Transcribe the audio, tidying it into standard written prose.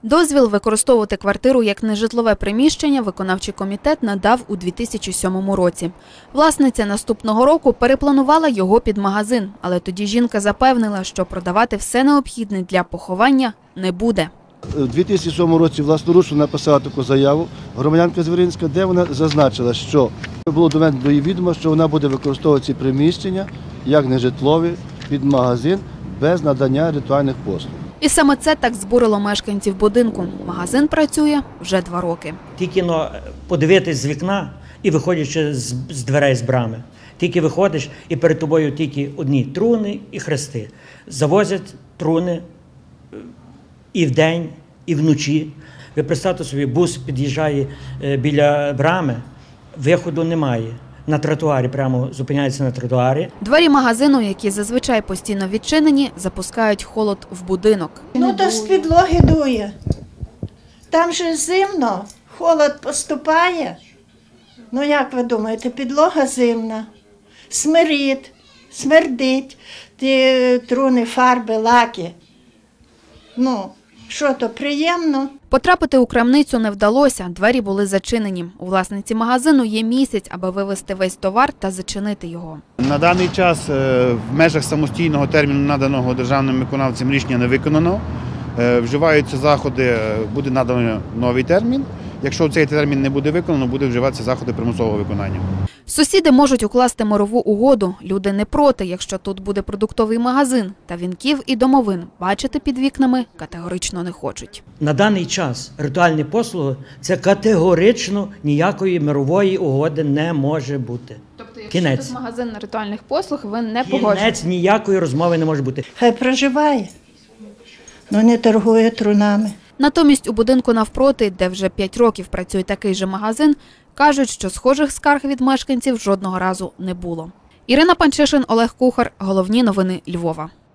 Дозвіл використовувати квартиру як нежитлове приміщення виконавчий комітет надав у 2007 році. Власниця наступного року перепланувала його під магазин, але тоді жінка запевнила, що продавати все необхідне для поховання не буде. У 2007 році власноручно написала таку заяву громадянка Звіринська, де вона зазначила, що було доведено до її відома, що вона буде використовувати ці приміщення як нежитлові під магазин без надання ритуальних послуг. І саме це так збурило мешканців будинку. Магазин працює вже 2 роки. Тільки подивитись з вікна і виходячи з дверей з брами. Тільки виходиш і перед тобою тільки одні труни і хрести. Завозять труни і вдень, і вночі. Ви представте собі, бус під'їжджає біля брами, виходу немає. На тротуарі, прямо зупиняється на тротуарі. Двері магазину, які зазвичай постійно відчинені, запускають холод в будинок. Ну, то з підлоги дує. Там же зимно, холод поступає. Ну, як ви думаєте, підлога зимна, смердить, ті труни, фарби, лаки. Ну, що то, приємно? Потрапити у крамницю не вдалося, двері були зачинені. У власниці магазину є місяць, аби вивезти весь товар та зачинити його. На даний час в межах самостійного терміну, наданого державним виконавцям, рішення не виконано. Вживаються заходи, буде надано новий термін. Якщо цей термін не буде виконано, буде вживатися заходи примусового виконання. Сусіди можуть укласти мирову угоду. Люди не проти, якщо тут буде продуктовий магазин. Та вінків і домовин бачити під вікнами категорично не хочуть. На даний час ритуальні послуги – це категорично ніякої мирової угоди не може бути. Тобто, якщо тут магазин ритуальних послуг, ви не погоджуєтесь? Кінець, ніякої розмови не може бути. Хай проживає, але не торгує трунами. Натомість у будинку навпроти, де вже 5 років працює такий же магазин, кажуть, що схожих скарг від мешканців жодного разу не було. Ірина Панчишин, Олег Кухар. Головні новини Львова.